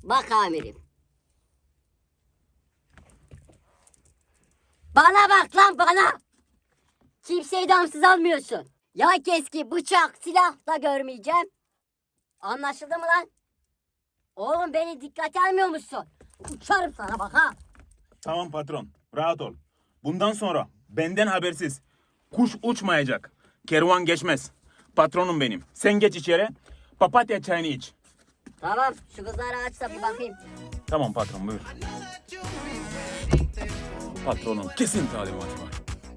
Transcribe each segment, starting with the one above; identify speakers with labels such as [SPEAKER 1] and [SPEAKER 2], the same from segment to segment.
[SPEAKER 1] Bak amirim. Bana bak lan bana. Kimseyi damsız almıyorsun. Ya keski, bıçak, silah da görmeyeceğim. Anlaşıldı mı lan? Oğlum beni dikkate almıyor musun? Uçarım sana bak ha.
[SPEAKER 2] Tamam patron, rahat ol. Bundan sonra benden habersiz kuş uçmayacak. Kervan geçmez. Patronum benim. Sen geç içeri. Papatya çayını iç.
[SPEAKER 1] Tamam şu kızları açsa bir bakayım.
[SPEAKER 2] Tamam patron, buyur. Patronun kesin talimatı var.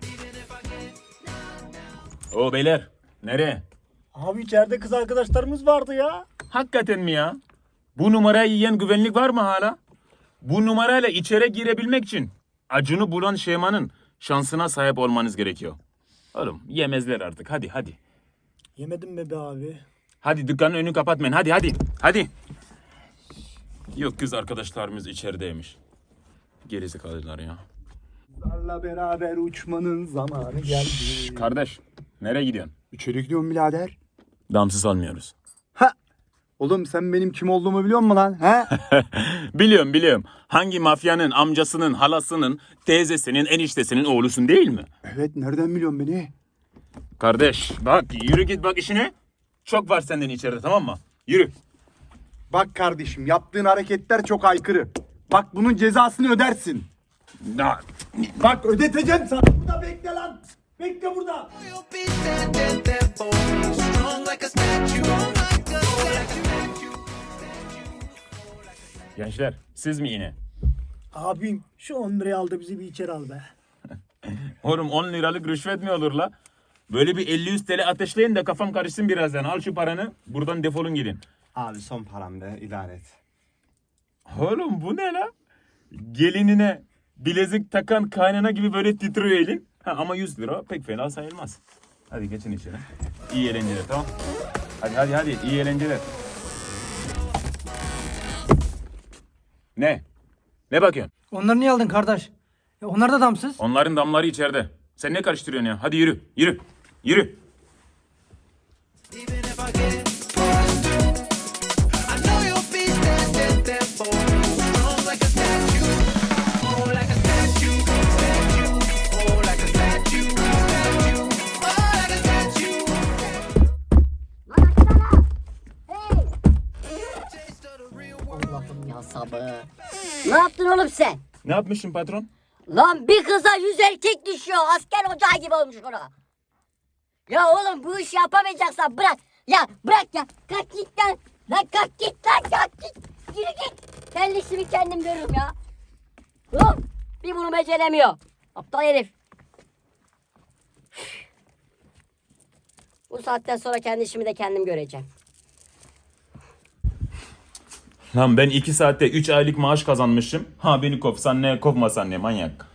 [SPEAKER 2] O beyler, nereye?
[SPEAKER 3] Abi içeride kız arkadaşlarımız vardı ya.
[SPEAKER 2] Hakikaten mi ya? Bu numarayı yiyen güvenlik var mı hala? Bu numarayla içeri girebilmek için Acun'u bulan Şeyma'nın şansına sahip olmanız gerekiyor. Oğlum yemezler artık, hadi.
[SPEAKER 3] Yemedim be abi.
[SPEAKER 2] Hadi dükkanın önünü kapatmayın, hadi. Yok, kız arkadaşlarımız içerideymiş. Gerizekalılar ya.
[SPEAKER 4] Kızlarla beraber uçmanın zamanı geldi.
[SPEAKER 2] Kardeş, nereye gidiyorsun?
[SPEAKER 4] İçeri gidiyorum birader.
[SPEAKER 2] Damsız almıyoruz.
[SPEAKER 4] Ha! Oğlum sen benim kim olduğumu biliyor musun lan? He?
[SPEAKER 2] Biliyorum. Hangi mafyanın, amcasının, halasının, teyzesinin, eniştesinin oğlusun değil mi?
[SPEAKER 4] Evet, nereden biliyorsun beni?
[SPEAKER 2] Kardeş, bak yürü git bak işine. Çok var senden içeride, tamam mı? Yürü.
[SPEAKER 4] Bak kardeşim, yaptığın hareketler çok aykırı. Bak bunun cezasını ödersin.
[SPEAKER 2] Na-
[SPEAKER 4] Bak ödeteceğim sana. Burada bekle lan. Bekle burada.
[SPEAKER 5] You'll be standing there for me, strong like a statue, like a statue.
[SPEAKER 2] Gençler, siz mi yine?
[SPEAKER 3] Abim şu 10 lirayı al da bizi bir içeri al be.
[SPEAKER 2] Oğlum 10 liralık rüşvet mi olur la? Böyle bir 50-100 TL ateşleyin de kafam karışsın birazdan. Al şu paranı, buradan defolun gidin.
[SPEAKER 4] Abi son param be, idare et.
[SPEAKER 2] Oğlum bu ne la? Gelinine bilezik takan kaynana gibi böyle titriyor elin. Ha, ama 100 lira pek fena sayılmaz. Hadi geçin içeri. İyi eğlenceler, tamam. Hadi iyi eğlenceler. Ne? Ne bakıyorsun?
[SPEAKER 6] Onları niye aldın kardeş? Onlar da damsız.
[SPEAKER 2] Onların damları içeride. Sen ne karıştırıyorsun ya? Hadi yürü.
[SPEAKER 5] Even if I get pushed through, I know you'll be standing there for me, strong like a statue, oh like a statue, oh like a statue, oh like a statue.
[SPEAKER 1] Lan açsana. Hey.
[SPEAKER 5] Taste of the real world.
[SPEAKER 1] Allah'ım ya sabır. Ne yaptın oğlum sen?
[SPEAKER 2] Ne yapmışsın patron?
[SPEAKER 1] Lan bir kıza 100 erkek düşüyor. Asker ocağı gibi olmuş ona. Ya oğlum bu işi yapamayacaksan bırak. Ya bırak ya. Kalk git lan. Lan kalk git lan kalk git. Yürü git. Kendi işimi kendim görürüm ya. Oğlum bir bunu beceremiyor. Aptal herif. Bu saatten sonra kendi işimi de kendim göreceğim.
[SPEAKER 2] Lan ben 2 saatte 3 aylık maaş kazanmışım. Ha beni kovsan ne, kovmasan ne, manyak.